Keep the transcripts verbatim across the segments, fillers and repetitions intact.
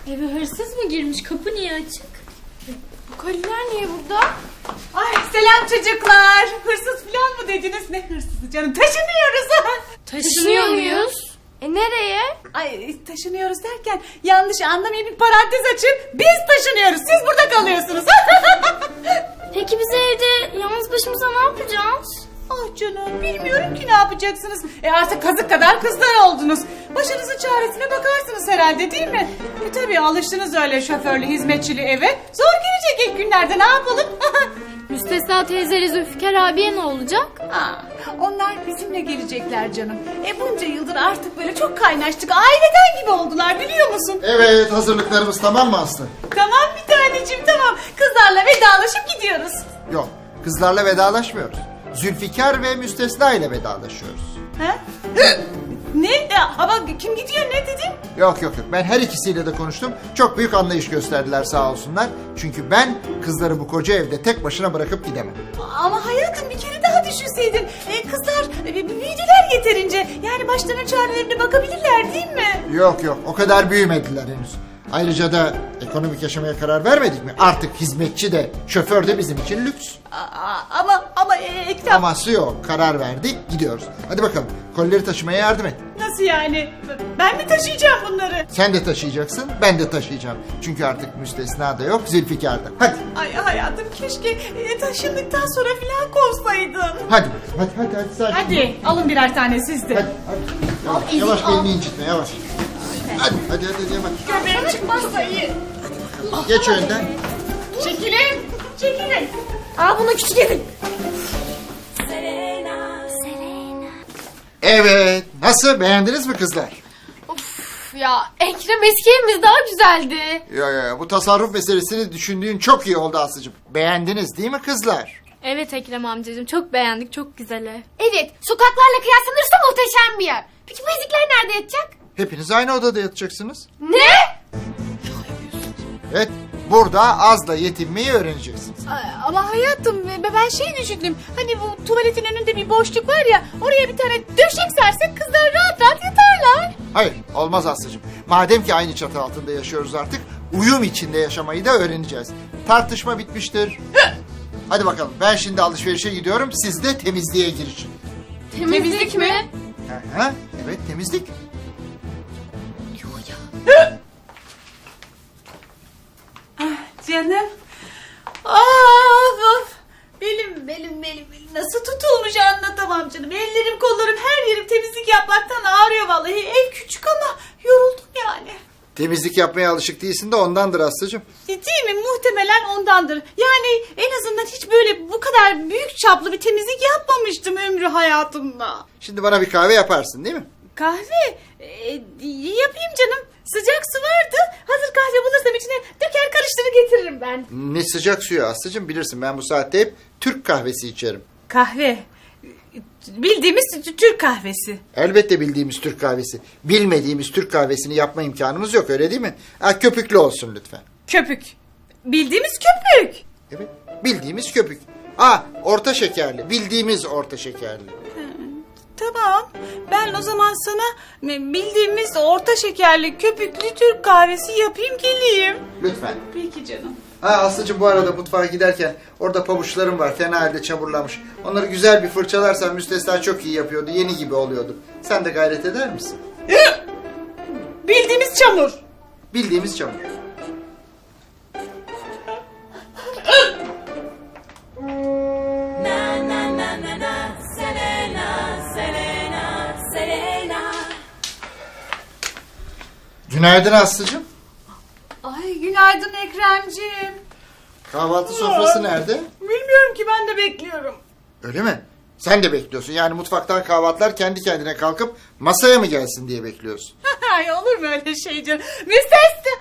Eve hırsız mı girmiş? Kapı niye açık? Bu koliler niye burada? Ay selam çocuklar. Hırsız falan mı dediniz? Ne hırsızı canım? Taşınıyoruz. Taşınıyor muyuz? E nereye? Ay taşınıyoruz derken yanlış anlamayın, bir parantez açın. Biz taşınıyoruz. Siz burada kalıyorsunuz. Peki biz evde yalnız başımıza ne yapacağız? Ah canım, bilmiyorum ki ne yapacaksınız. E artık kazık kadar kızlar oldunuz. Başınızın çaresine bakarsınız herhalde, değil mi? E tabii alıştınız öyle şoförlü hizmetçili eve. Zor gelecek ilk günlerde, ne yapalım? Müstesna teyzeyle Zülfikar abiye ne olacak? Aa, onlar bizimle gelecekler canım. E bunca yıldır artık böyle çok kaynaştık. Aileden gibi oldular, biliyor musun? Evet, hazırlıklarımız tamam mı Aslı? Tamam bir taneciğim, tamam. Kızlarla vedalaşıp gidiyoruz. Yok, kızlarla vedalaşmıyoruz. Zülfikar ve Müstesna ile vedalaşıyoruz. Ha? Ne? E, ama kim gidiyor, ne dedin? Yok yok yok, ben her ikisiyle de konuştum. Çok büyük anlayış gösterdiler sağ olsunlar. Çünkü ben kızları bu koca evde tek başına bırakıp gidemem. Ama hayatım bir kere daha düşünseydin. E, kızlar e, büyüdüler yeterince. Yani başlarına çarelerine bakabilirler, değil mi? Yok yok, o kadar büyümediler henüz. Ayrıca da ekonomik yaşamaya karar vermedik mi? Artık hizmetçi de şoför de bizim için lüks. Aa, ama ama e, Ekrem, Aması yok, karar verdik, gidiyoruz. Hadi bakalım, kolileri taşımaya yardım et. nasıl yani? Ben mi taşıyacağım bunları? Sen de taşıyacaksın, ben de taşıyacağım. Çünkü artık Müstesna da yok, Zülfikar da. Hadi, Ay hayatım, keşke e, taşındıktan sonra filan kovsaydın. hadi, hadi, hadi, hadi. Sakin. Hadi alın birer tane siz de. Hadi, hadi. Yavaş, yavaş belini incitme, yavaş. Hadi, hadi, hadi, hadi, yavaş. Göbeğim çıkmazsa iyi. Geç önden. Çekilin, çekilin. Aa bunu küçük evin. Evet, nasıl, beğendiniz mi kızlar? Of ya Ekrem eski evimiz daha güzeldi. Ya ya, bu tasarruf meselesini düşündüğün çok iyi oldu Aslı'cığım. Beğendiniz değil mi kızlar? Evet Ekrem amcacığım çok beğendik, çok güzel ev. Evet, sokaklarla kıyaslanırsa muhteşem bir yer. Peki bu ezikler nerede yatacak? Hepiniz aynı odada yatacaksınız. Ne? Evet, burada azla yetinmeyi öğreneceksiniz. Ay, ama hayatım ben şey düşündüm. Hani bu tuvaletin önünde bir boşluk var ya, oraya bir tane döşek sersek kızlar rahat rahat yatarlar. Hayır, olmaz Aslı'cığım. Madem ki aynı çatı altında yaşıyoruz artık, uyum içinde yaşamayı da öğreneceğiz. Tartışma bitmiştir. Hadi bakalım, ben şimdi alışverişe gidiyorum, siz de temizliğe girişin. Temizlik mi? Aha, evet, temizlik. Canım. Of of. Belim belim belim belim nasıl tutulmuş anlatamam canım. Ellerim kollarım her yerim temizlik yapmaktan ağrıyor vallahi. Ev küçük ama yoruldum yani. Temizlik yapmaya alışık değilsin de ondandır Aslı'cığım. Değil mi? Muhtemelen ondandır. Yani en azından hiç böyle bu kadar büyük çaplı bir temizlik yapmamıştım ömrü hayatımda. Şimdi bana bir kahve yaparsın değil mi? Kahve? E, yapayım canım. Sıcak su vardı. Hazır kahve bulursam içine döker karıştırır getiririm ben. Ne sıcak suyu Aslı'cığım, bilirsin ben bu saatte hep Türk kahvesi içerim. Kahve. Bildiğimiz Türk kahvesi. Elbette bildiğimiz Türk kahvesi. Bilmediğimiz Türk kahvesini yapma imkanımız yok, öyle değil mi? Ha, köpüklü olsun lütfen. Köpük. Bildiğimiz köpük. Evet, bildiğimiz köpük. Ha, orta şekerli, bildiğimiz orta şekerli. Tamam. Ben o zaman sana bildiğimiz orta şekerli köpüklü Türk kahvesi yapayım geleyim. Lütfen. Peki canım. Ha Aslı'cığım, bu arada mutfağa giderken orada pabuçlarım var, fena halde çamurlamış. Onları güzel bir fırçalarsan Müstesna çok iyi yapıyordu, yeni gibi oluyordu. Sen de gayret eder misin? Bildiğimiz çamur. Bildiğimiz çamur. Günaydın Aslı'cığım. Ay günaydın Ekremciğim. Kahvaltı sofrası nerede? Bilmiyorum ki, ben de bekliyorum. Öyle mi? Sen de bekliyorsun. Yani mutfaktan kahvaltılar kendi kendine kalkıp masaya mı gelsin diye bekliyorsun. Ay olur mu öyle şey canım? Müstesna.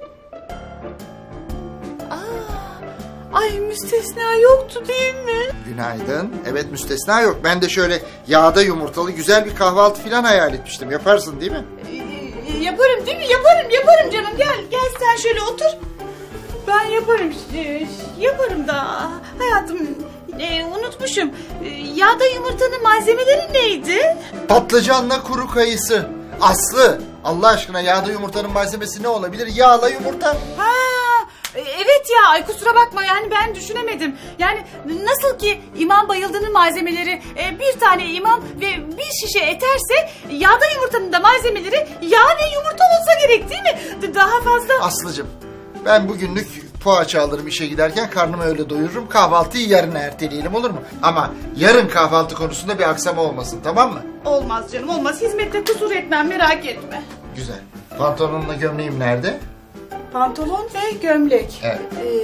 Aa, ay müstesna yoktu değil mi? Günaydın. Evet, Müstesna yok. Ben de şöyle yağda yumurtalı güzel bir kahvaltı falan hayal etmiştim. Yaparsın değil mi? Ee, yaparım değil mi? Yaparım yaparım canım. Gel gel sen şöyle otur. Ben yaparım. Ee, yaparım da. Hayatım e, unutmuşum. Ee, yağda yumurtanın malzemeleri neydi? Patlıcanla kuru kayısı. Aslı, Allah aşkına yağda yumurtanın malzemesi ne olabilir? Yağla yumurta. Ha, e, evet ya, ay kusura bakma yani ben düşünemedim. Yani nasıl ki imam bayıldığının malzemeleri e, bir tane imam ve bir şişe eterse yağda yumurtanın da malzemeleri yağ ve yumurta olsa gerek değil mi? D- Daha fazla... Aslıcığım ben bugünlük poğaça alırım işe giderken, karnımı öyle doyururum. Kahvaltıyı yarına erteleyelim, olur mu? Ama yarın kahvaltı konusunda bir aksama olmasın, tamam mı? Olmaz canım, olmaz. Hizmette kusur etmem, merak etme. Güzel. Pantolonumla gömleğim nerede? Pantolon ve gömlek. Evet.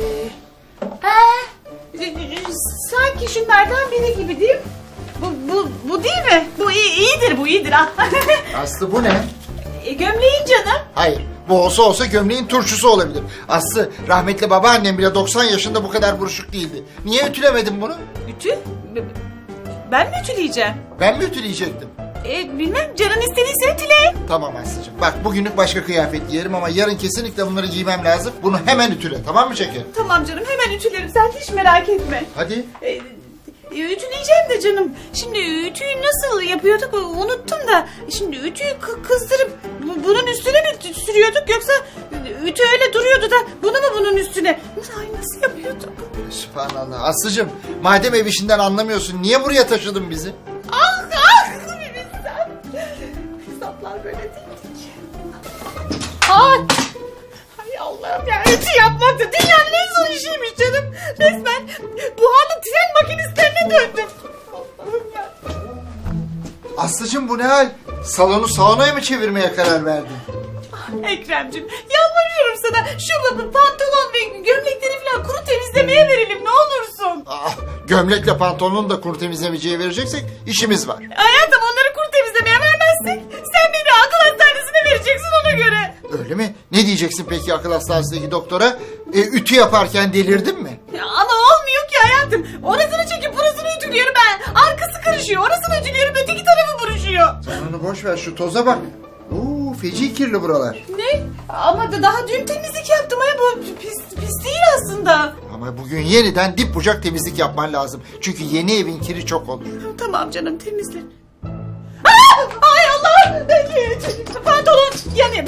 Ee, e, sanki şunlardan biri gibi değil mi? Bu, bu, bu değil mi? Bu iyi, iyidir, bu iyidir. Ah. Aslı bu ne? E, gömleğin canım. Hayır. Bu olsa olsa gömleğin turşusu olabilir. Aslı, rahmetli babaannem bile doksan yaşında bu kadar buruşuk değildi. Niye ütülemedin bunu? Ütü? Ben mi ütüleyeceğim? Ben mi ütüleyecektim? E, bilmem, canın istediyse ütüle. Tamam Aslıcığım. Bak bugünlük başka kıyafet giyerim ama yarın kesinlikle bunları giymem lazım. Bunu hemen ütüle, tamam mı şeker? Tamam canım, hemen ütülerim, sen hiç merak etme. Hadi. E, e, ütüleyeceğim de canım. Şimdi ütüyü nasıl yapıyorduk unuttum da. Şimdi ütüyü kı- kızdırıp bu- bunun üstüne mi tü- sürüyorduk yoksa ütü öyle duruyordu da bunu mu bunun üstüne? Ay, nasıl yapıyorduk? Sübhanallah. Aslıcığım, madem ev işinden anlamıyorsun niye buraya taşıdın bizi? Ah ah! Bir bilsem. Hesaplar böyle değil ki. Ay! Hay Allah'ım ya, ütü yapmak da dünyanın en zor işiymiş canım. Resmen buharlı tren makinistlerine döndüm. Allah'ım ya. Aslıcığım bu ne hal? Salonu saunaya mı çevirmeye karar verdin? Ekrem'cim yalvarıyorum sana, şu pantolon ve gömlekleri falan kuru temizlemeye verelim ne olursun. Ah, gömlekle pantolonunu da kuru temizlemeciye vereceksek işimiz var. Hayatım, onları kuru temizlemeye vermezsek sen beni akıl hastanesine vereceksin ona göre. Öyle mi? Ne diyeceksin peki akıl hastanesindeki doktora? E, ütü yaparken delirdin mi? Ya ama olmuyor ki hayatım. Orasını çekip burasını ütülüyorum ben. Arkası karışıyor. Orasını ütülüyorum, öteki tarafı buruşuyor. Sen onu boş ver, şu toza bak. Oo, feci kirli buralar. Ne? Ama da daha dün temizlik yaptım. Ay, bu pis, pis değil aslında. Ama bugün yeniden dip bucak temizlik yapman lazım. Çünkü yeni evin kiri çok olur. Tamam canım, temizle. Aa! Ay Allah! Pantolon yani.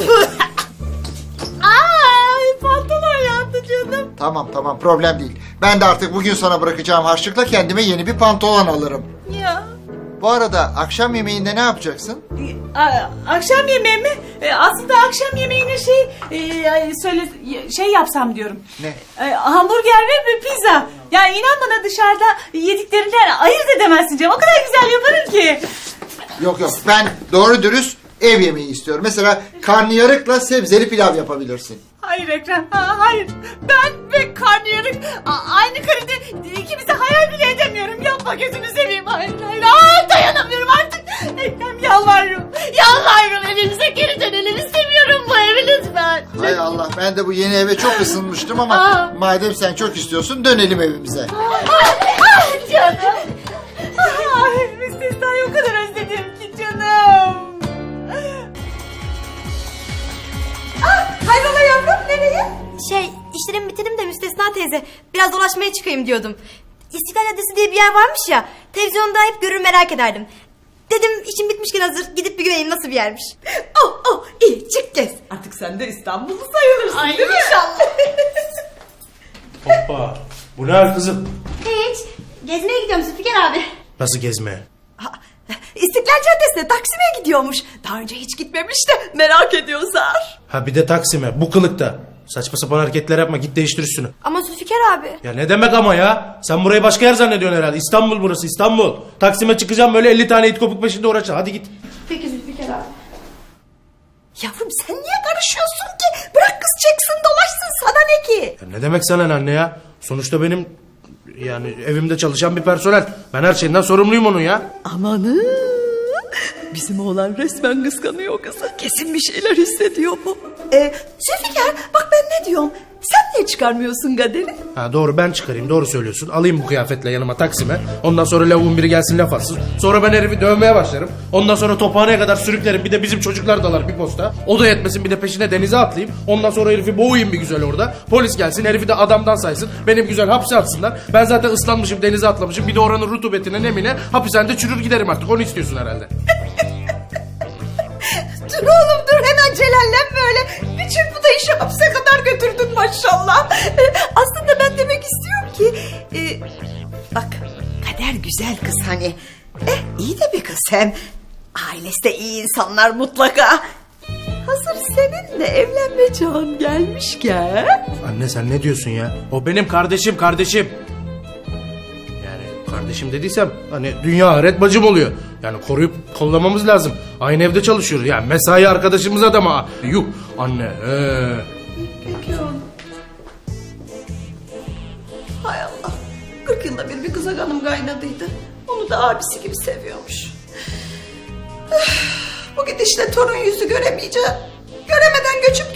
Ay, pantolon yandı canım. Tamam tamam, problem değil. Ben de artık bugün sana bırakacağım harçlıkla kendime yeni bir pantolon alırım. Ya. Bu arada akşam yemeğinde ne yapacaksın? A- akşam yemeği mi? E, aslında akşam yemeğine şey e, ay, söyle şey yapsam diyorum. Ne? E, hamburger ve bir pizza. Ya inan bana, dışarıda yediklerinden ayırt edemezsin canım. O kadar güzel yaparım ki. Yok yok, ben doğru dürüst ev yemeği istiyorum. Mesela karnıyarıkla sebzeli pilav yapabilirsin. Hayır Ekrem, ha, hayır. Ben ve karnıyarık a- aynı karede ikimizi hayal bile edemiyorum. Yapma, gözünü seveyim. Hayır, hayır, hayır, dayanamıyorum artık. Ekrem, yalvarıyorum. Yalvarıyorum, evimize geri dönelim. İstemiyorum bu evi, lütfen. Hay Allah, ben de bu yeni eve çok ısınmıştım ama Aa. madem sen çok istiyorsun dönelim evimize. Ah canım. Ay, müstesnayı o kadar özledim ki canım. Ah, hayrola yavrum, nereye? Şey, işlerimi bitirdim de Müstesna teyze, biraz dolaşmaya çıkayım diyordum. İstiklal Caddesi diye bir yer varmış ya, televizyonda hep görür merak ederdim. Dedim işim bitmişken hazır, gidip bir göreyim nasıl bir yermiş. Oh oh, iyi, çık gez. Artık sen de İstanbullu sayılırsın, değil mi? İnşallah. Hoppa. Bu ne hal kızım? Hiç, gezmeye gidiyorum Zülfikar abi. Nasıl gezmeye? İstiklal Caddesi'ne Taksim'e gidiyormuş. Daha önce hiç gitmemiş de merak ediyor Zar. Ha bir de Taksim'e, bu kılıkta. Saçma sapan hareketler yapma, git değiştir üstünü. Ama Zülfikar abi. Ya ne demek ama ya? Sen burayı başka yer zannediyorsun herhalde. İstanbul burası, İstanbul. Taksim'e çıkacağım, böyle elli tane it kopuk peşinde uğraşacaksın. Hadi git. Peki Zülfikar abi. Yavrum sen niye karışıyorsun ki? Bırak kız çeksin dolaşsın, sana ne ki? Ya ne demek sana ne anne ya? Sonuçta benim yani evimde çalışan bir personel. Ben her şeyinden sorumluyum onun ya. Amanın. Bizim oğlan resmen kıskanıyor kızı. Kesin bir şeyler hissediyor bu. Ee, Zülfikar bak ben ne diyorum. Sen niye çıkarmıyorsun Kader'i? Ha doğru, ben çıkarayım, doğru söylüyorsun. Alayım bu kıyafetle yanıma Taksim'e. Ondan sonra lavuğun biri gelsin laf atsın. Sonra ben herifi dövmeye başlarım. Ondan sonra tophaneye kadar sürüklerim. Bir de bizim çocuklar dalar bir posta. O da yetmesin, bir de peşine denize atlayayım. Ondan sonra herifi boğayım bir güzel orada. Polis gelsin, herifi de adamdan saysın. Benim güzel hapse atsınlar. Ben zaten ıslanmışım, denize atlamışım. Bir de oranın rutubetine nemine hapishanede çürür giderim artık. Onu istiyorsun herhalde. dur oğlum dur hemen celallenme öyle. Bir çırpıda işi hapse kadar götürdün maşallah. Ee, aslında ben demek istiyorum ki... E, bak Kader güzel kız hani. Eh iyi de bir kız hem. Ailesi de iyi insanlar mutlaka. Hazır seninle evlenme çağın gelmişken... Anne sen ne diyorsun ya? O benim kardeşim kardeşim. Yani kardeşim dediysem hani dünya ahiret bacım oluyor. Yani koruyup kollamamız lazım. Aynı evde çalışıyoruz. Yani mesai arkadaşımız adama. Yuh anne. Ee. Peki oğlum. Hay Allah. Kırk yılda bir bir kıza kanım kaynadıydı. Onu da abisi gibi seviyormuş. Üf, bu gidişle torun yüzü göremeyeceğim. Göremeden göçüp